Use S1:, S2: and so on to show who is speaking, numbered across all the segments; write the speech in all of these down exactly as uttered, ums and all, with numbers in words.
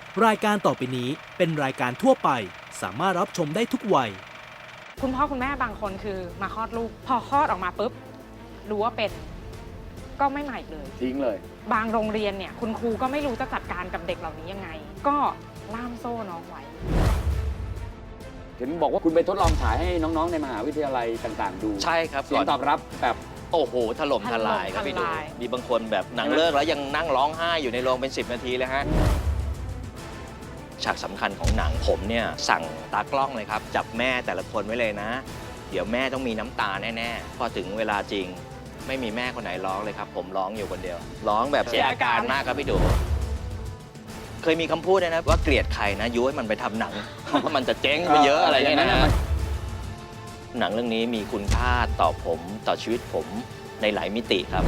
S1: รายการต่อไปนี้เป็นรายการทั่วไปสามารถรับชมได้ทุกวัย
S2: คุณพ่อคุณแม่บางคนคือมาคลอดลูกพอคลอดออกมาปุ๊บรู้ว่าเป็นก็ไม่มาอีกเลย
S3: ทิ้งเลย
S2: บางโรงเรียนเนี่ยคุณครูก็ไม่รู้จะจัดการกับเด็กเหล่านี้ยังไงก็ล่ามโซ่น้องไว้
S3: เห็นบอกว่าคุณไปทดลองฉายให้น้องๆในมหาวิทยาลัยต่างๆดู
S4: ใช่ครับ
S3: เสียงตอบรับแบบ
S4: โอ้โหถล่มทลายครับพี่ดูมีบางคนแบบหนังเลิกแล้วยังนั่งร้องไห้อยู่ในโรงเป็นสิบนาทีเลยฮะฉากสำคัญของหนังผมเนี่ยสั่งตากล้องเลยครับจับแม่แต่ละคนไว้เลยนะเดี๋ยวแม่ต้องมีน้ำตาแน่ๆพอถึงเวลาจริงไม่มีแม่คนไหนร้องเลยครับผมร้องอยู่คนเดียวร้องแบบเสียอาการมากครับพี่ดูเคยมีคำพูดนะว่าเกลียดใครนะยุ้ยมันไปทำหนังเพราะมันจะเจ๊งไปเยอะอะไรอย่างเงี้ยนะหนังเรื่องนี้มีคุณค่าต่อผมต่อชีวิตผมในหลายมิติครับ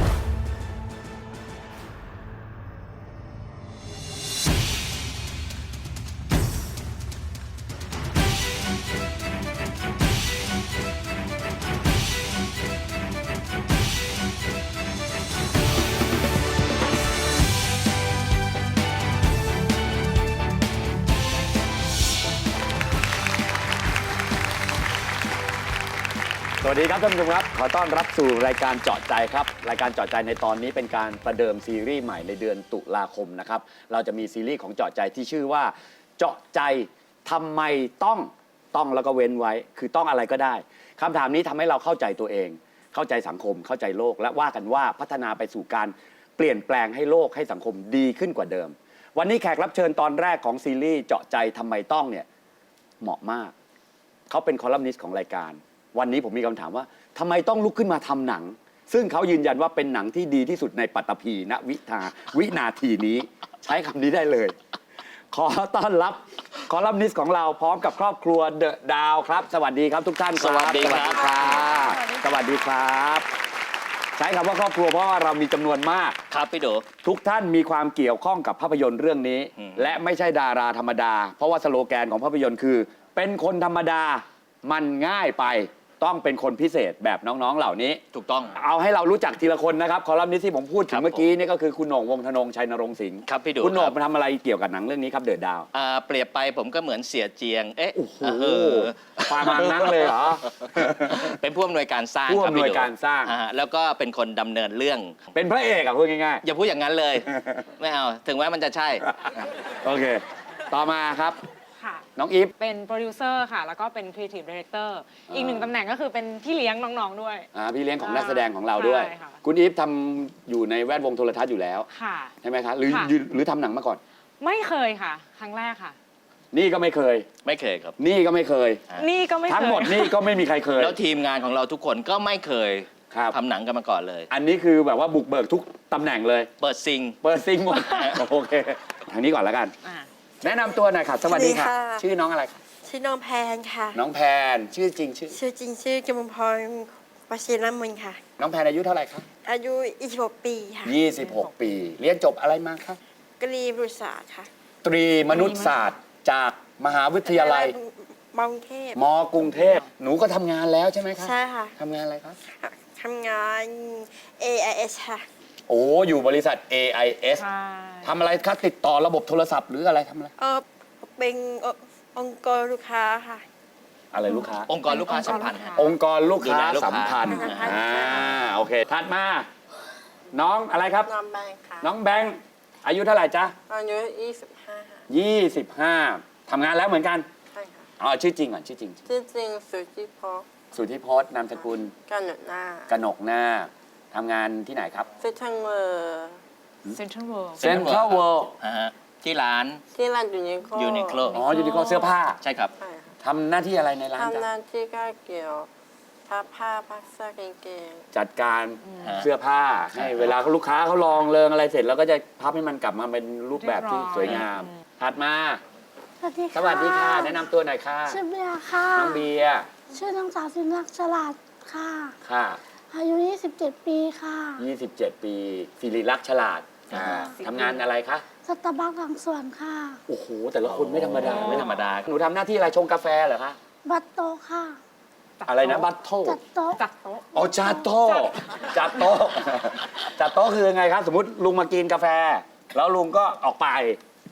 S3: สวัสดีครับท่านผู้ชมครับขอต้อนรับสู่รายการเจาะใจครับรายการเจาะใจในตอนนี้เป็นการประเดิมซีรีส์ใหม่ในเดือนตุลาคมนะครับเราจะมีซีรีส์ของเจาะใจที่ชื่อว่าเจาะใจทำไมต้องต้องแล้วก็เว้นไว้คือต้องอะไรก็ได้คำถามนี้ทำให้เราเข้าใจตัวเองเข้าใจสังคมเข้าใจโลกและว่ากันว่าพัฒนาไปสู่การเปลี่ยนแปลงให้โลกให้สังคมดีขึ้นกว่าเดิมวันนี้แขกรับเชิญตอนแรกของซีรีส์เจาะใจทำไมต้องเนี่ยเหมาะมากเขาเป็นคอลัมนิสต์ของรายการวันนี้ผมมีคำถามว่าทำไมต้องลุกขึ้นมาทำหนังซึ่งเขายืนยันว่าเป็นหนังที่ดีที่สุดในปัตตภีณวิทาวินาทีนี้ใช้คำนี้ได้เลยขอต้อนรับคอลัมนิสต์ของเราพร้อมกับครอบครัวเดอะดาวครับสวัสดีครับทุกท่านครับ
S4: สวัสดีครับ
S3: สวัสดีครับใช้คำว่าครอบครัวเพราะว่าเรามีจำนวนมาก
S4: ครับพี่ดู
S3: ทุกท่านมีความเกี่ยวข้องกับภาพยนตร์เรื่องนี้ และไม่ใช่ดาราธรรมดาเพราะว่าสโลแกนของภาพยนตร์คือเป็นคนธรรมดามันง่ายไปต้องเป็นคนพิเศษแบบน้องๆเหล่านี้
S4: ถูกต้อง
S3: เอาให้เรารู้จักทีละคนนะครับคอลัมนิสต์ที่ผมพูดถึงเมื่อกี้นี่ก็คือคุณโหน่งวงศ์ธนงชัยนรงค์สิงห์
S4: ครับพี่ดู
S3: คุณโหน่งมาทำอะไรเกี่ยวกับหนังเรื่องนี้ครับเดอะดาว
S4: เปรียบไปผมก็เหมือนเสียเจียงเอ๊ะ
S3: โอ้โหประมาณนั้นเลยเหรอ
S4: เป็นผู้อำนวยการสร้าง
S3: ผู้อำนวยการสร้าง
S4: แล้วก็เป็นคนดำเนินเรื่อง
S3: เป็นพระเอกอะพูดง่าย
S4: ๆอย่าพูดอย่างนั้นเลยไม่เอาถึงแม้มันจะใช่
S3: โอเคต่อมาครับ
S2: ค่ะ
S3: น้องอีฟ
S2: เป็นโปรดิวเซอร์ค่ะแล้วก็เป็นครีเอทีฟดีเรคเตอร์อีกหนึ่งตำแหน่งก็คือเป็นพี่เลี้ยงน้องๆด้วย
S3: อ่าพี่เลี้ยงของนักแสดงของเราด้วยคุณอีฟทำอยู่ในแวดวงโทรทัศน์อยู่แล้ว
S2: ค่ะ
S3: ใช่ไหมคะหรือหรือทำหนังมาก่อน
S2: ไม่เคยค่ะครั้งแรกค่ะ
S3: นี่ก็ไม่เคย
S4: ไม่เคยครับ
S3: นี่ก็ไม่เคย
S2: นี่ก็ไม่เคย
S3: ทั้งหมดนี่ก็ไม่มีใครเคย
S4: แล้วทีมงานของเราทุกคนก็ไม่เคยทำหนังกันมาก่อนเลย
S3: อันนี้คือแบบว่าบุกเบิกทุกตำแหน่งเลย
S4: เปิดซิง
S3: เปิดซิงหมดโอเคทางนี้ก่อนแล้วกันแนะนำตัวหน่อยค่ะสวัสดีค่ะชื่อน้องอะไรคะ
S5: ชื่อน้องแพนค่ะ
S3: น้องแพนชื่อจริงชื่อ
S5: ชื่อจริงชื่อกมลพรวชิรมุนค่ะ
S3: น้องแพนอายุเท่าไหร่คะ
S5: อายุยี่สิบหกปีค่ะ
S3: ยี่สิบหกปีเรียนจบอะไรมาคะ
S5: ตรีมนุษยศาสตร์ค่ะ
S3: ตรีมนุษยศาสตร์จากมหาวิทยาลัย
S5: มกรุงเทพ
S3: มกรุงเทพหนูก็ทำงานแล้วใช่ไหมคะ
S5: ใช่ค่ะ
S3: ทำงานอะไรครับ
S5: ทำงาน เอ ไอ เอส ค่ะ
S3: โอ้อยู่บริษัท เอ ไอ เอส ทำอะไรคะติดต่อระบบโทรศัพท์หรืออะไรทำอะไร
S5: เออเป็นองค์กรลูกค้าค่ะ
S3: อะไรลูกค้า
S4: องค์กรลูกค้าสัมพันธ์
S3: องค์กรลูกค้าสัมพันธ์อ่าโอเคถัดมาน้องอะไรครับ
S5: น้องแบงค์ค่ะ
S3: น้องแบงค์อายุเท่าไหร่จ๊ะ
S5: อายุยี่สิบห้า
S3: ยี่สิบห้าทำงานแล้วเหมือนกัน
S5: ใช่ค่ะ
S3: อ๋อชื่อจริงก่อนชื่อจริง
S5: ชื่อจริงสุทธิพจน์
S3: สุทธิพจน์นามสกุล
S5: กนกหน้
S3: ากนกหน้าทำงานที่ไหนครับ
S5: เซ็นทรัลเวิลด์
S2: เซ็นทรัลเวิลด์
S3: เซ็นทรัลเวิลด์
S4: ที่ร้าน
S5: ที่ร้านยูนิโคล
S4: ยูนิโคล
S3: อ๋อยูนิโคลเสื้อผ้า
S4: ใช่ครับ
S3: ทำหน้าที่อะไรในร้าน
S5: ทำหน้าที่ก็เกี่ยวพับผ้าพับเสื้อกางเกง
S3: จัดการเสื้อผ้าให้เวลาลูกค้าเขาลองเริงอะไรเสร็จแล้วก็จะพับให้มันกลับมาเป็นรูปแบบที่สวยงามถัดมา
S6: สวัสดีค่ะ
S3: สวัสดีค่ะแนะนำตัวหน่อยค่ะ
S6: ชื่อเบียร์ค่ะ
S3: น้องเบียร์
S6: ชื่อนางสาวสินลักษณ์ฉลาดค่ะ
S3: ค่ะ
S6: อายุยี่สิบเจ็ดปีค่ะ
S3: ยี่สิบเจ็ดปีศิริลักษณ์ฉลาดทำงานอะไรคะ
S6: สตาร์บัคหลังสวนค่ะ
S3: โอ้โหแต่ละคนไม่ธรรมดา
S4: ไม่ธรรมดา
S3: หนูทำหน้าที่อะไรชงกาแฟเหรอคะ
S6: บัตโตค่ะ
S3: อะไรนะบัตโต
S6: จัดโต๊ะ
S2: จัดโต๊ะ
S3: อ๋อจัดโต๊ะจัดโต๊ะจัดโต๊ะคือไงครับสมมติลุงมากินกาแฟแล้วลุงก็ออกไป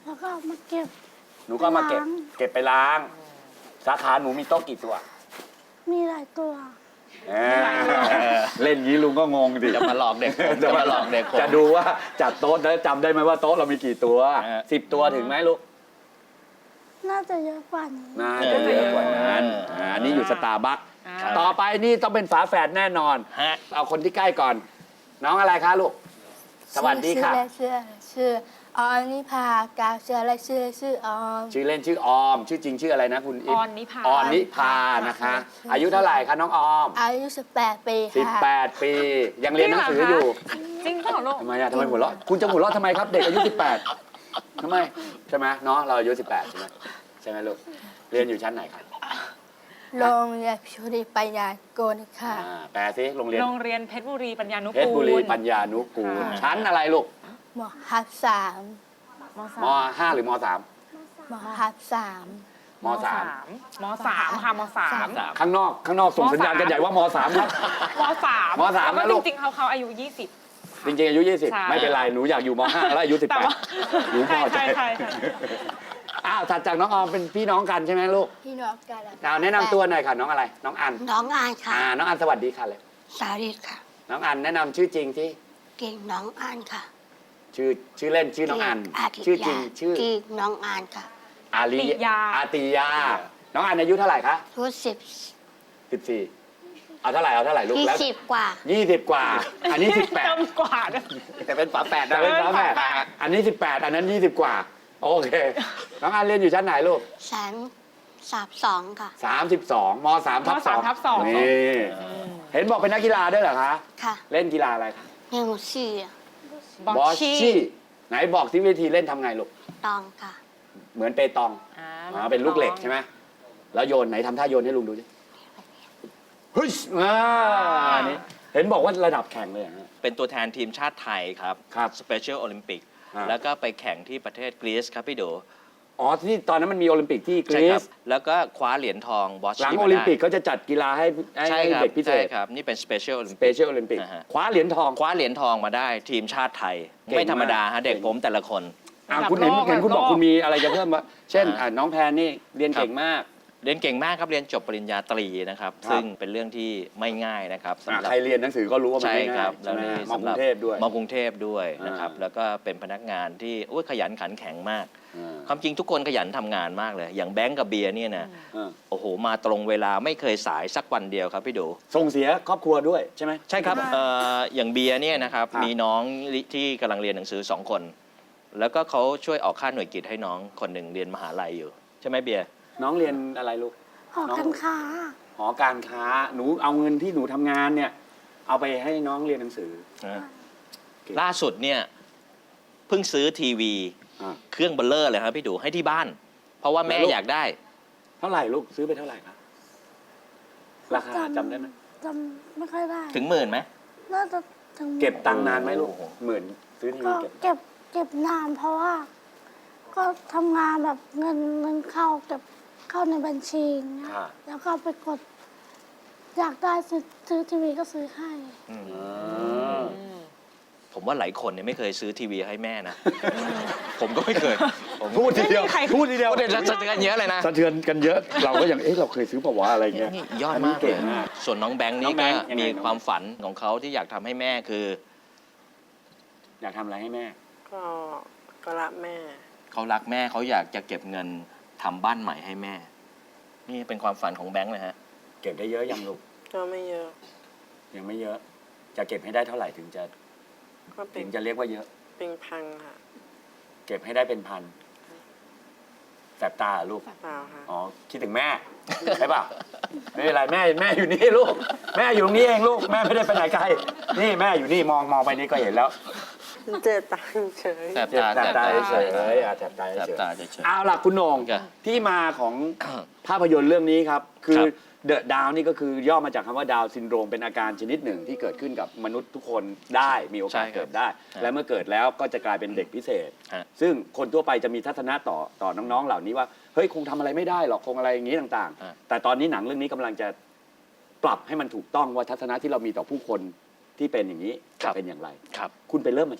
S6: แล้วก็เอามาเก็บ
S3: หนูก็เอามาเก็บ
S6: ล้าง
S3: เก็บไปล้าง สาขาหนูมีโต๊ะกี่ตัว
S6: มีหลายตัว
S3: เออเล่นงี้ลุงก็งงดิ
S4: จะมาหลอกเด็กผมจะมาหลอกเด็กผม
S3: จะดูว่าจัดโต๊ะแล้วจำได้ไหมว่าโต๊ะเรามีกี่ตัว
S4: เออ
S3: สิบตัวถึงไหมลูก
S6: น่าจะเยอะกว่านี้
S3: น่าจะเยอะกว่านั้นอ่าอันนี้อยู่สตาร์บัค
S2: อ่า
S3: ต่อไปนี่ต้องเป็นฝาแฝดแน่นอน
S4: ฮะ
S3: เอาคนที่ใกล้ก่อน น้องอะไรคะลูก สวัสดีค่ะ
S7: ชื่อชื่อออมนิพากาวชื่ออะไรชื่อชื่อออม
S3: ชื่อเล่นชื่อออม ชื่อจริงชื่ออะไรนะคุณ
S2: อ
S3: ฟ
S2: อนนิพา
S3: ออนนิพานะคะ อายุเท่าไหร่คะน้องออม
S7: อายุสิบแปดปีค่ะ
S3: สิบแปด ปี ยังเรียนหนังสืออยู่
S2: จริงเปล่าลูก
S3: ทำไมอะทำไมหัวเราะคุณจะหัวเราะทำไมครับ เด็กอายุ สิบแปดทำไมใช่ไหมเนาะเราอายุ สิบแปด ใช่ไหมใช่ไหมลูกเรียนอยู่ชั้นไหนครับ
S7: โรงเรียนพิธีปัญญาโกนค่ะ
S3: อ่าแปลซิโรงเรียน
S2: โรงเรียนเพชรบุรีปัญญานุ
S3: เพชร
S2: กู
S3: บุรี
S2: ล
S3: ปัญญานุกูล
S2: ค่ะ
S3: ชั้นอะไรลูก
S7: หมอฮับสาม
S2: มส
S3: ม
S2: าม
S3: ห้าหรือมสาม
S7: หมอฮับสาม
S3: มสาม
S2: มสามค่ะมสาม
S3: ข้างนอกข้างนอกส่งสัญญาณกันใหญ่ว่ามสามครับ
S2: มสาม
S3: มสาม
S2: แล้ว
S3: นะ
S2: ก็
S3: ลูก
S2: จริงๆเขาเขาอายุยี่สิบ
S3: จริงๆอายุ ยี่สิบ
S2: ใช่
S3: ไม่เป็นไรหนูอยากอยู่มห้าแล้วอายุ สิบ
S2: แต่
S3: แปด
S2: ว่า
S3: หนูพอใจ
S2: ใช่ใช่ใช่
S3: อ้าวถัดจากน้องออมเป็นพี่น้องกันใช่ไหมลูก
S7: พี่น้องกัน
S3: เอาแนะนำตัวหน่อยค่ะน้องอะไร น้องอัน
S6: น้องอายค่ะ
S3: อ่าน้องอันสวัสดีค่ะเลย
S6: สาริตค่ะ
S3: น้องอันแนะนำชื่อจริงที่
S6: เก่งน้องอานค่ะ
S3: ชื่อชื่อเล่นชื่อน้องอัน
S6: อาติ
S3: ชื่อจ
S6: ยา
S3: ริงชื่อ
S6: เก่งน้องอานค่ะ
S3: อาลี
S2: ติยา
S3: อาติยา น้องอันอายุเท่าไหร่คะ
S6: รู้สิบ
S3: สิบสี่เอาเท่าไหร่เอาเท่าไหร่ลูก
S6: ยี่
S3: แล้ว
S6: สิบกว่า
S3: ยี่สิบกว่า อันนี้สิบแปด
S2: เต็มกว่าด้วย
S4: แต่เป็นฝาแฝด
S3: แต่
S4: นะ
S3: เป็นฝาแฝดอันนี้สิบแปดอันนั้นยี่สิบกว่า โอเค น้องอันเรียนอยู่ชั้นไหนลูก
S6: แสนสามสองค่ะ
S3: สามสิบสองมสามทับสอง
S2: มสามทับสอง
S3: นี่เห็นบอกเป็นนักกีฬาด้วยเหรอคะ
S6: ค่ะ
S3: เล่นกีฬาอะไรคะ
S6: เฮงซี่
S2: บอชชี่
S3: ไหนบอกที่วิธีเล่นทำไงลูก
S6: ตองค่ะ
S3: เหมือนเปตอง
S2: อ่า
S3: อ๋อเป็นลูกเหล็กใช่ไหมแล้วโยนไหนทำท่าโยนให้ลุงดูสิเฮ้ยอ่าอันนี้เห็นบอกว่าระดับแข่งเลยเหรอฮะ
S4: เป็นตัวแทนทีมชาติไทยครับ
S3: ครับ
S4: สเปเชียลโอลิมปิก
S3: อ่า
S4: แล้วก็ไปแข่งที่ประเทศกรีซครับพี่โด
S3: อ๋อที่ตอนนั้นมันมีโอลิมปิกที่ก
S4: ใช่
S3: รี
S4: ครั
S3: ซ
S4: บแล้วก็คว้าเหรียญทองบอช
S3: หลัง
S4: ชี่
S3: โอ
S4: มา
S3: ลิมปิก
S4: ได้
S3: เขาจะจัดกีฬาให้ให้
S4: ใช่ครับ
S3: เด็กพิเศ
S4: ใช่
S3: ษ
S4: ครับ นี่เป็นสเปเชียลโอลิม
S3: สเป
S4: ปิก
S3: เชียลโอลิมปิก
S4: อ่าฮะ
S3: คว้าเหรียญทอง
S4: คว้าเหรียญทองมาได้ทีมชาติไทย
S3: เก่ง
S4: ไม่ธรรมดา
S3: มา
S4: ฮะ
S3: ก
S4: เด็ก
S3: เก่ง
S4: ผมแต่ละคน
S3: อ่าคุณเห็น
S2: ระดับโลก
S3: เห็นคุณบอก
S2: ระดับโลก
S3: คุณมีอะไรจะเพิ่มวะเช่น
S4: อ่า
S3: อ่าน้องแพนนี่เรียน
S4: ครับ
S3: เก่งมาก
S4: เรียนเก่งมากครับเรียนจบปริญญาตรีนะครับ
S3: ครับ
S4: ซึ่งเป็นเรื่องที่ไม่ง่ายนะครับ
S3: อ่า
S4: สำหรับ
S3: ใครเรียนหนังสือก็รู้ว่ามัน
S4: ใช่
S3: ไม่
S4: ค
S3: ง่า
S4: รั
S3: ย
S4: บ
S3: ใช่ไหม
S4: นี่
S3: มอกรุงเทพด้วย
S4: มอกรุงเทพด้วยนะครับ
S3: อ่า
S4: แล้วก็เป็นพนักงานที่โอ้ยขยันขันแข็งมาก
S3: อ่า
S4: ความจริงทุกคนขยันทำงานมากเลย อย่างแบงก์กับเบียร์เนี่ยนะ
S3: อ่า
S4: โอ้โหมาตรงเวลาไม่เคยสายสักวันเดียวครับพี่ดู
S3: ส่งเสียครอบครัวด้วยใช่ไหม
S4: ใช่ครับเอ่ออย่างเบียร์เนี่ยนะครับ
S3: ครับ
S4: มีน้องที่กำลังเรียนหนังสือสองคน แล้วก็เขาช่วยออกค่าหน่วยกิตให้น้องคนหนึ่งเรียนมหาลัยอยู่ ใช่ไหมเบียร์
S3: น้องเรียนอะไรลูก
S6: หอการค้า
S3: หอการค้าหนูเอาเงินที่หนูทำงานเนี่ย เอาไปให้น้องเรียนหนังสือ เก่ง
S4: ล่าสุดเนี่ยเพิ่งซื้อทีวี
S3: อ่า
S4: เครื่องเบลเลอร์เลยครับพี่ดูให้ที่บ้าน เพราะว่าแม่
S3: แล้วลูก
S4: อยากได้
S3: เท่าไหร่ลูกซื้อไปเท่าไหร่ครับราคาจำได้ไหม
S6: จำไม่ค่อยได้
S4: ถึงหมื่นไหม
S6: น่าจะถึง
S3: เก็บตังค์นานไหมลูก
S4: โอ้โห
S3: หมื่นซื้อทีวี
S6: ก็
S3: เก็บ
S6: เก็บเก็บนานเพราะว่า ก็ทำงานแบบเงินเงินเข้าเก็บเข้าในบัญชีอย่างเงี้ย
S3: ค่ะ
S6: แล้วก็ไปกด อยากได้ซื้อซื้อทีวีก็ซื้อให้
S4: อืม
S3: อืม
S4: ผมว่าหลายคนเนี่ยไม่เคยซื้อทีวีให้แม่นะ ผมก็ไม่เคยผม
S3: พูดทีเดียว
S2: ไม่มีใคร
S3: พูดทีเดียว
S4: พูดเด็ดสะเทือนเยอะเลยนะ
S3: สะเทือนกันเยอะ เราก็ยังเอ๊ะเราเคยซื้อเปล่าวะอะไรเงี้ย
S4: นี่ยอด
S3: นนี้
S4: มากเล
S3: เก่
S4: ย
S3: งมาก
S4: ส่วนน้องแบงค์
S3: น้
S4: นี่
S3: องแบ
S4: ก็
S3: งค์ยังไง
S4: มี
S3: น้อง
S4: ความฝันของเขาที่อยากทำให้แม่คือ
S3: อยากทำอะไรให้แม่
S5: ก็ก็รักแม่
S4: เขารักแม่เขาอยากจะเก็บเงินทำบ้านใหม่ให้แม่ นี่เป็นความฝันของแบงค์เลยฮะ
S3: เก็บได้เยอะยังลูก
S5: ก็ไม่เยอะ
S3: ยังไม่เยอะ จะเก็บให้ได้เท่าไหร่ถึงจะ
S5: ก็เป็
S3: ถึ
S5: น
S3: งจะเรียกว่าเยอะ
S5: เป็นพังค่ะ
S3: เก็บให้ได้เป็นพันแสบตาเหรอลูก
S5: เปล่าค่ะ
S3: อ๋อ คิดถึงแม่ ใช่ป่ะไม่เป็นไรแม่แม่อยู่นี่ลูก แม่อยู่ตรงนี้เองลูก แม่ไม่ได้ไปไหนไกล นี่แม่อยู่นี่มองมองไปนี่ก็เห็นแล้ว
S5: เจ็บตาเฉย
S4: แสบ
S3: เจ็บ
S4: ตา
S3: แสบตา
S4: แสบ
S3: เฉ
S4: ตาย
S3: ๆอ่ะแสบตา
S4: แสบ
S3: เฉย
S4: ตาเฉย
S3: ๆเอาล่ะคุณโหน่ง
S4: ครับ
S3: ที่มาของภาพยนตร์เรื่องนี้ครับ คือ
S4: ครับ
S3: เดอะดาวนี่ก็คือย่อมาจากคำว่าดาวซินโดรมเป็นอาการชนิดหนึ่งที่เกิดขึ้นกับมนุษย์ทุกคนได้มีโอกาส
S4: ใช่ครับ
S3: เกิดได้
S4: ฮะ
S3: และเมื่อเกิดแล้วก็จะกลายเป็นเด็กพิเศษ
S4: ฮะ
S3: ซึ่งคนทั่วไปจะมีทัศนะต่อต่อน้องๆ เหล่านี้ว่าเฮ้ยคงทำอะไรไม่ได้หรอกคงอะไรอย่างนี้ต่าง
S4: ฮะ
S3: ๆ แต่ตอนนี้หนังเรื่องนี้กำลังจะปรับให้มันถูกต้องว่าทัศนะที่เรามีต่อผู้คนที่เป็นอย่างนี้จะเป็นอย่างไร
S4: ครับ
S3: คุณไปเริ่มมาจากไหน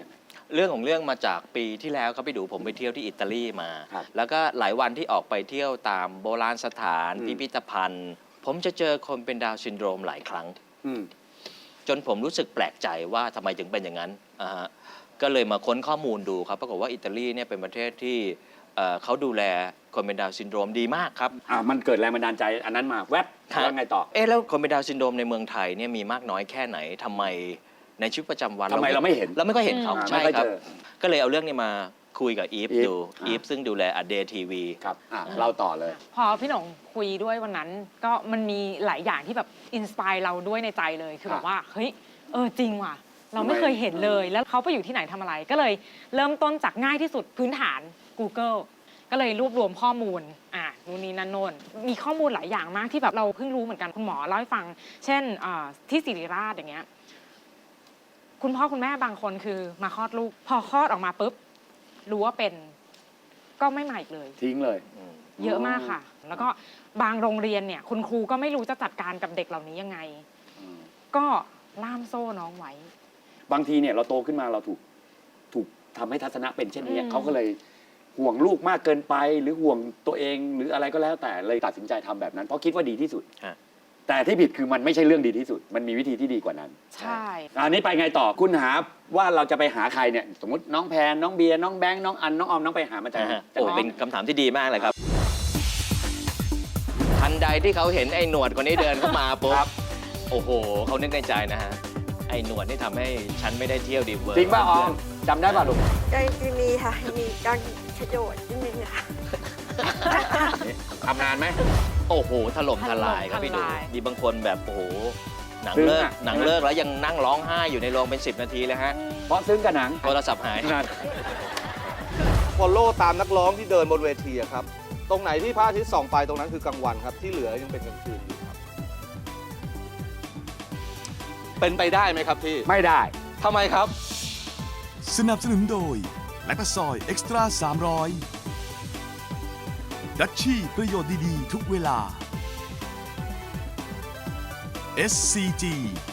S4: เรื่องของเรื่องมาจากปีที่แล้วครับพี่ดูผมไปเที่ยวที่อิตาลีมา
S3: ครับ
S4: แล้วก็หลายวันที่ออกไปเที่ยวตามโบราณสถาน
S3: อืม
S4: พิพิธภัณฑ์ ผมจะเจอคนเป็นดาวน์ซินโดรมหลายครั้ง
S3: อืม
S4: จนผมรู้สึกแปลกใจว่าทำไมถึงเป็นอย่างนั้นอ่าฮะก็เลยมาค้นข้อมูลดูครับปรากฏว่าอิตาลีเนี่ยเป็นประเทศที่เอ่อเขาดูแลคนเป็นดาวน์ซินโดรมดีมากครับ
S3: อ่ามันเกิดแรงบันดาลใจอันนั้นมาแวบ
S4: ครับ
S3: แล้วไงต่อ
S4: เอ๊ะแล้วคนเป็นดาวน์ซินโดรมในเมืองไทยเนี่ยมีมากน้อยแค่ไหนทำไมในชีวิตประจำวัน
S3: ทำไมเราไม่เห็น
S4: เราไม่ค่อยเห็นเขา
S3: อ่า
S4: ใช่
S3: ไม่ค่อย
S4: ครับ
S3: เจอ
S4: ก็เลยเอาเรื่องนี้มาคุยกับอีฟ
S3: อีฟ
S4: ดู
S3: อ่า
S4: อีฟซึ่งดูแลอเดย์ทีวี
S3: ครับอ่ะเล่าต่อเลย
S2: พอพี่หนงคุยด้วยวันนั้นก็มันมีหลายอย่างที่แบบอินสปายเราด้วยในใจเลยคือ
S3: ครั
S2: แบบ บว่าเฮ้ยเออจริงว่ะ เราไม่
S3: ทำไม
S2: เคยเห็นเลยแล้วเขาไปอยู่ที่ไหนทำอะไร ก็เลยเริ่มต้นจากง่ายที่สุดพื้นฐาน Google ก็เลยรวบรวมข้อมูลอ่านู่นนี่นั่นโน่นมีข้อมูลหลายอย่างมากที่แบบเราเพิ่งรู้เหมือนกันคุณหมอเล่าให้ฟัง เช่นอ่าที่ศิริราชอย่างเงี้ยคุณพ่อคุณแม่บางคนคือมาคลอดลูก พอคลอดออกมาปุ๊บรู้ว่าเป็นก็ไม่มาอีกเลย
S3: ทิ้งเลย
S2: เยอะมากค่ะ แล้วก็บางโรงเรียนเนี่ย คุณครูก็ไม่รู้จะจัดการกับเด็กเหล่านี้ยังไง ก็ล่ามโซ่น้องไว้
S3: บางทีเนี่ยเราโตขึ้นมาเราถูกถูกทำให้ทัศนะเป็นเช่นนี้
S2: อืม
S3: เขาก็เลยห่วงลูกมากเกินไป หรือห่วงตัวเองหรืออะไรก็แล้วแต่เลยตัดสินใจทำแบบนั้น เพราะคิดว่าดีที่สุด
S4: ฮะ
S3: แต่ที่ผิดคือมันไม่ใช่เรื่องดีที่สุด มันมีวิธีที่ดีกว่านั้น
S2: ใช่
S3: อันนี้ไปไงต่อคุณหาว่าเราจะไปหาใครเนี่ยสมมติน้องแพนน้องเบียร์น้องแบงค์น้องอันน้องออมน้องไปหามาจาก
S4: นะ
S3: ไหน
S4: ฮะ
S3: จาก
S4: โอ้
S3: ไหน
S4: เป็นคำถามที่ดีมากเลยครับ ทันใดที่เขาเห็นไอ้หนวดคนนี้เดินเข้ามาปุ๊บโอ้โหเขานึกในใจนะฮะ ไอ้หนวดนี่ทำให้ฉันไม่ได้เที่ยวดีเวิร์
S3: จริงป่ะออมจำได้ป่ะลูก
S5: ก็จะมีค่ะ มีการขยโยดนิดนึงค่ะ
S3: ทำนานไหม
S4: โอ้โหถล่มทลายครับพี่ดู
S2: ถล่มทลาย
S4: มีบางคนแบบโอ้โหหนัง
S3: ซึ้ง
S4: เลิก
S3: อะ
S4: หนังเลิกแล้วยังนั่งร้องไห้อยู่ในโรงเป็นสิบนาทีเลยฮะ
S3: เพราะซึ้งกับหนัง
S4: โทรศัพท์หาย
S3: นั่น
S8: ฟอลโล่ตามนักร้องที่เดินบนเวทีอะครับ ตรงไหนที่พระอาทิตย์ส่องไปตรงนั้นคือกลางวันครับ ที่เหลือยังเป็นกลางคืนอยู่ครับ เป็นไปได้ไหมครับพี่
S3: ไม่ได้
S8: ทำไมครับ
S9: สนับสนุนโดยแลคตาซอยเอ็กซ์ตร้าสามร้อยดัชชี่ประโยชน์ดี ๆ ทุกเวลา เอส ซี จี